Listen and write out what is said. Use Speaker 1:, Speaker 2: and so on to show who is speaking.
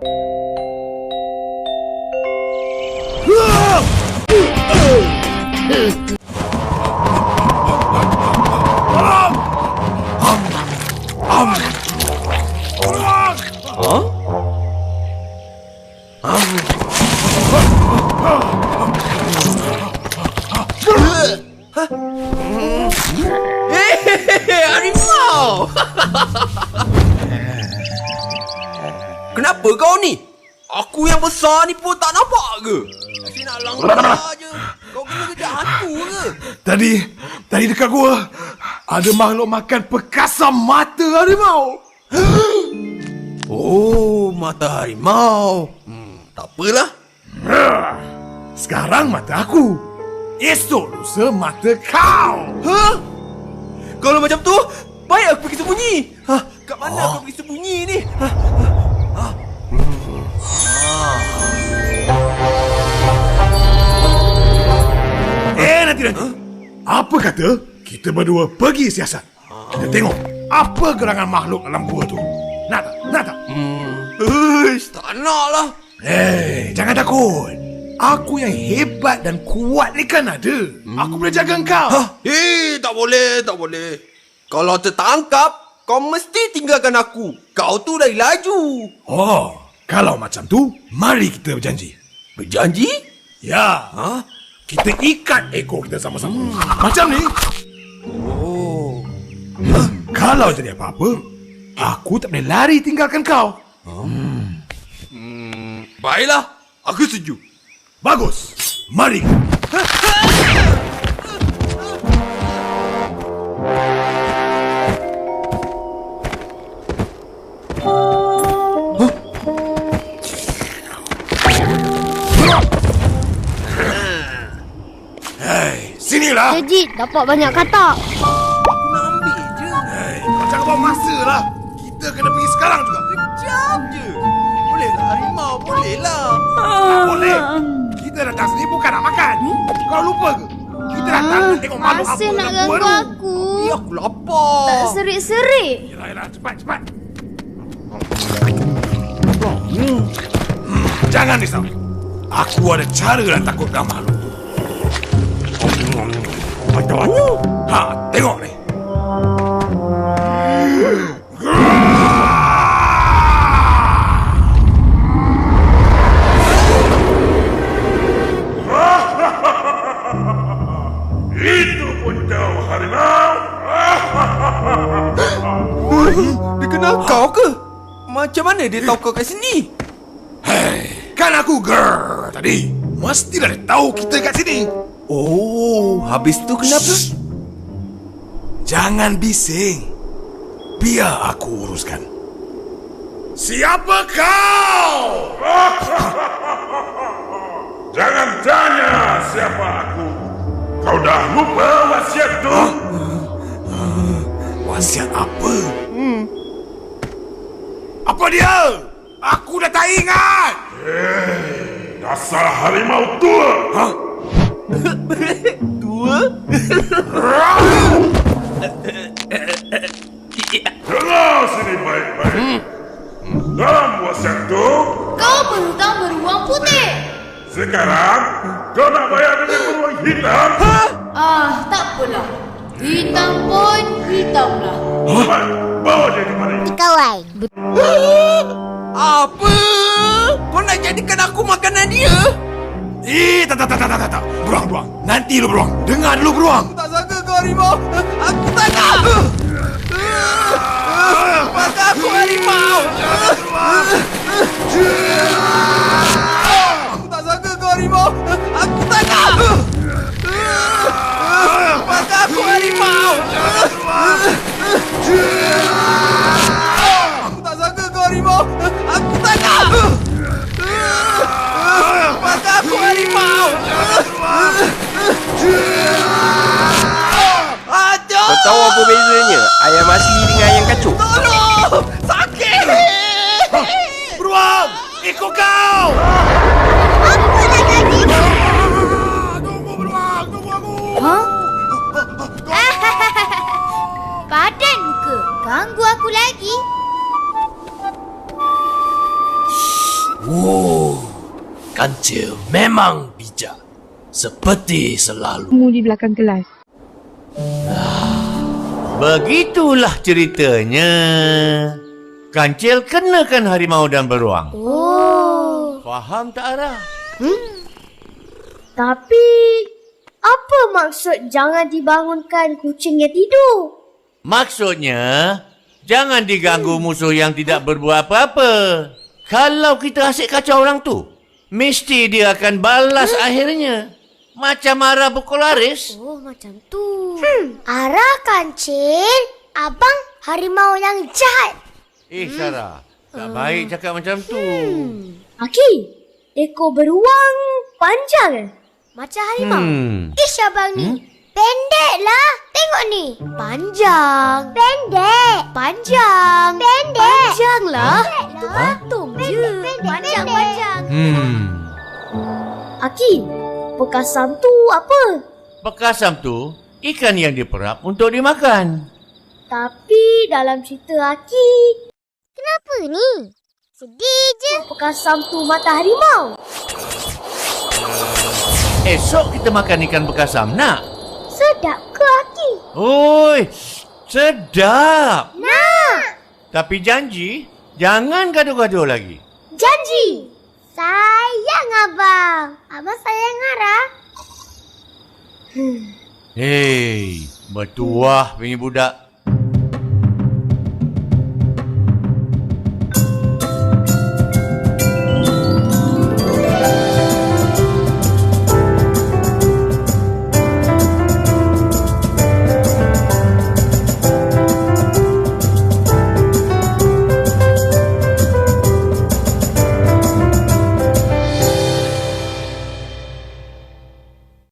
Speaker 1: Harimau! Kenapa kau ni? Aku yang besar ni pun tak nampak ke? Asyik nak langgar je. Kau kena kejar hantu ke?
Speaker 2: Tadi dekat gua ada makhluk makan pekasam mata harimau.
Speaker 1: Oh, mata harimau. Tak apalah.
Speaker 2: Sekarang mata aku. Esok lusa mata kau.
Speaker 1: Kalau macam tu, baik aku pergi sembunyi. Kat mana aku pergi sembunyi ni?
Speaker 2: Nanti. Apa kata kita berdua pergi siasat? Kita tengok apa gerangan makhluk dalam gua tu. Nak tak?
Speaker 1: Tak nak lah.
Speaker 2: Jangan takut. Aku yang hebat dan kuat ni kan ada. Aku boleh jaga kau.
Speaker 1: Tak boleh. Kalau tertangkap, kau mesti tinggalkan aku. Kau tu dah laju.
Speaker 2: Kalau macam tu, mari kita berjanji.
Speaker 1: Berjanji?
Speaker 2: Ya. Kita ikat ekor kita sama-sama. Macam ni. Kalau jadi apa-apa, aku tak boleh lari tinggalkan kau.
Speaker 1: Baiklah, aku setuju.
Speaker 2: Bagus. Mari. Sinilah.
Speaker 3: Legit, dapat banyak katak.
Speaker 1: Aku nak ambil je.
Speaker 2: Kau jangan bawa masa lah. Kita kena pergi sekarang juga.
Speaker 1: Kejap je. Bolehlah harimau, bolehlah.
Speaker 2: Tak boleh. Kita datang sini bukan nak makan. Kau lupa ke? Kita datang nak tengok makhluk apa
Speaker 3: Asyik nak
Speaker 2: yang
Speaker 3: ganggu
Speaker 2: baru.
Speaker 3: aku.
Speaker 1: Aku lapar.
Speaker 3: Tak serik-serik.
Speaker 2: Yelah, cepat. Jangan risau. Aku ada cara nak takutkan makhluk. Macam mana? Tengok ni. Itu pun kau, harimau.
Speaker 1: Dia kenal kau ke? Macam mana dia tahu kau kat sini?
Speaker 2: Kan aku girl tadi. Mestilah dia tahu kita kat sini.
Speaker 1: Habis tu kenapa?
Speaker 2: Jangan bising. Biar aku uruskan. Siapa kau?
Speaker 4: Jangan tanya siapa aku. Kau dah lupa wasiat tu?
Speaker 2: Wasiat apa? Apa dia? Aku dah tak ingat.
Speaker 4: Dasar harimau tua.
Speaker 1: Tua?
Speaker 4: Dengar sini baik-baik. Dalam wasiat tu,
Speaker 3: Kau berhutang beruang putih.
Speaker 4: sekarang kau nak bayar dengan beruang hitam.
Speaker 3: Tak apalah. Hitam pun hitamlah.
Speaker 4: Cepat, bawa dia kemari.
Speaker 3: Kawan.
Speaker 1: Apa? Kau nak jadikan aku makanan dia?
Speaker 2: Tak. Beruang. Nanti lu beruang. Dengar dulu beruang.
Speaker 1: Aku tak sangka kau harimau. Aku tak nak. Mata aku harimau. Aku tak sangka kau harimau. Aku tak nak. Mata aku harimau. Aku tak sangka kau harimau. Aku tak nak. Mata aku harimau. Aduh!
Speaker 5: Kau tahu apa bezanya ayam asli dengan ayam kacuk?
Speaker 1: Tolong! Sakit!
Speaker 2: Beruang! Ikut kau!
Speaker 3: Apa nak jadi?
Speaker 2: Tunggu beruang! Tunggu aku!
Speaker 3: Padan muka. Ganggu aku lagi.
Speaker 6: Kancil memang bijak. Seperti selalu.
Speaker 7: Di belakang kelas.
Speaker 8: Begitulah ceritanya. Kancil kenakan harimau dan beruang. Faham tak, Ara?
Speaker 3: Tapi, apa maksud jangan dibangunkan kucingnya tidur?
Speaker 8: Maksudnya, jangan diganggu musuh yang tidak berbuat apa-apa. Kalau kita asyik kacau orang tu, mesti dia akan balas akhirnya. Macam Ara pukul Aris.
Speaker 3: Oh, macam tu. Arah Kancil, abang harimau yang jahat.
Speaker 8: Sarah, tak baik cakap macam tu.
Speaker 3: Aki, ekor beruang panjang macam harimau. Abang ni. Pendek lah. Tengok ni. Panjang. Pendek. Panjang. Pendek. Panjang lah. Itu patung je. Panjang. Aki, bekas Sam tu apa?
Speaker 8: Bekas Sam tu, ikan yang diperap untuk dimakan.
Speaker 3: Tapi dalam cerita Aki, kenapa ni? Sedih je. Bekas Sam tu mata harimau.
Speaker 8: Esok kita makan ikan bekas Sam, nak?
Speaker 3: Sedap ke Aki?
Speaker 8: Oi, sedap.
Speaker 3: Nak.
Speaker 8: Tapi janji, jangan gaduh-gaduh lagi.
Speaker 3: Janji. Sayang abang. Abang sayang Arah.
Speaker 8: Hei, bertuah punya budak.